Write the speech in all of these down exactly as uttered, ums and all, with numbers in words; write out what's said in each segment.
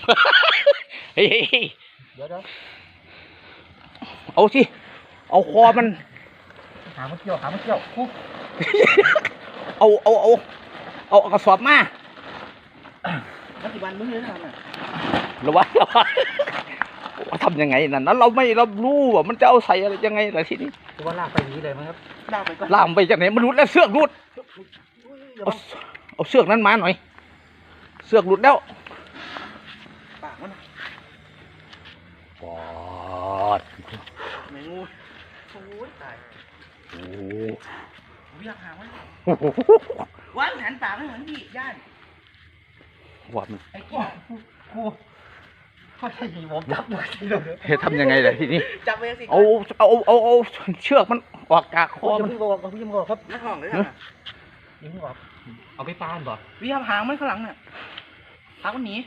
เฮ้ยเดี๋ยวเดี๋ยวเอาสิเอาคอมันหามันเกี่ยวหามันเกี่ยวคุกเอาเอาเอาเอากระสอบมาปัจจุบันมึงเลยนะระวังระวังทำยังไงนั่นนั้นเราไม่เรารู้ว่ามันจะเอาใส่อะไรยังไงล่ะทีนี้ว่าลากไปนี้เลยมั้งครับลากไปก็ลากไปจากไหนมันรุดแล้วเสือกรุดเอาเอาเสือกนั้นมาหน่อยเสือกรุดแล้วปากมันปอดไม่งูโอ้ยตายโอ้เรียกหามันวันหันปากให้เหมือนพี่ย่านว่ามันไอ้กูกูเขาใช่ยีผมจับเลยเฮ้ยทำยังไงล่ะทีนี้จับไปสิเอาเอาเอาเอาเชือกมันออกจากคอมันพี่บอกพี่บอกครับนักห้องเลยนะยิงบอกเอาไปปานบ่พี่ทำหางมันข้างหลังเนี่ยหางมันหนี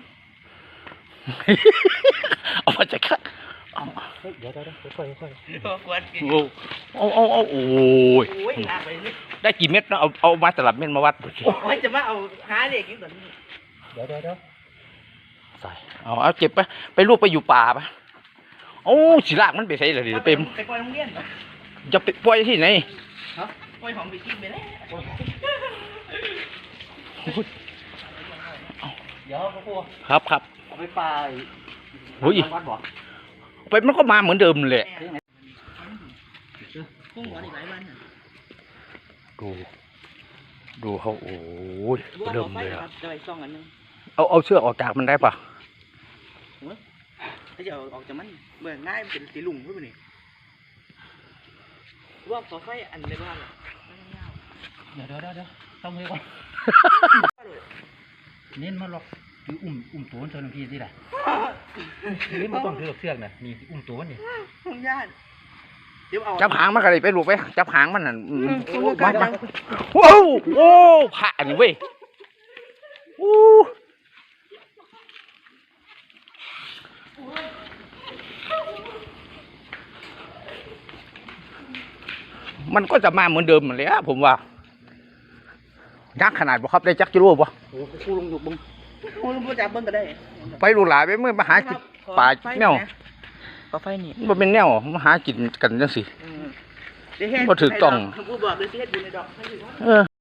เอามาจากข้างเดี๋ยวเดี๋ยวเดี๋ยวค่อยค่อยเอาเอาเอาโอ้ยได้กี่เม็ดนะเอาเอามาตลับเม็ดมาวัดดูสิโอ้ยจะมาเอาหาเด็กอยู่ตอนนี้เดี๋ยวเดี๋ยวเดี๋ยวใส่เอาเอาเจ็บไปไปลูกไปอยู่ป่าปะโอ้สีลากมันไปใส่เลยดิเต็มไปปล่อยโรงเรียนจะไปปล่อยที่ไหนฮะปล่อยของไปกินไปแล้วเดี๋ยวพ่อครับครับเอาไปปลาหุ้ยไปมันก็มาเหมือนเดิมเลยพุ่งหัวอีกหลายวันดูดูเขาโอ้ยเริ่มเลยอ่ะจะไปซ่องอันนึงเอาเอาเชือกออกจากมันได้ปะถ้าจะเอาออกจากมันเบื่อง่ายเป็นสีลุงขึ้นไปนี่ว่าขอไฟอันในบ้านเดี๋ยวเดี๋ยวเดี๋ยวต้องมือก่อนเน้นมาหรอกคืออุ้มอุ้มตัวมันเท่านั้นพี่สิแหละนี่มันต้องถือเชือกนะนี่อุ้มตัวมันนี่ห้องญาติจับหางมันก็เลยไปลูกไปจับหางมันน่ะมามาโอ้โอ้ผ่านเว้ยโอ้มันก็จะมาเหมือนเดิมเหมือนเลยอะผมว่ายักษ์ขนาดบ่ครับได้จักจิโร่บ่โอ้กูลงอยู่บึงกูลงจับบึงก็ได้ไปลูกหลานไปเมื่อมาหากินป่าแนวป่าไฟนี่มันเป็นแนวมาหากินกันจังสิบ่ถูกต้องกูบอกเลยสิเฮ็ดอยู่ในดอก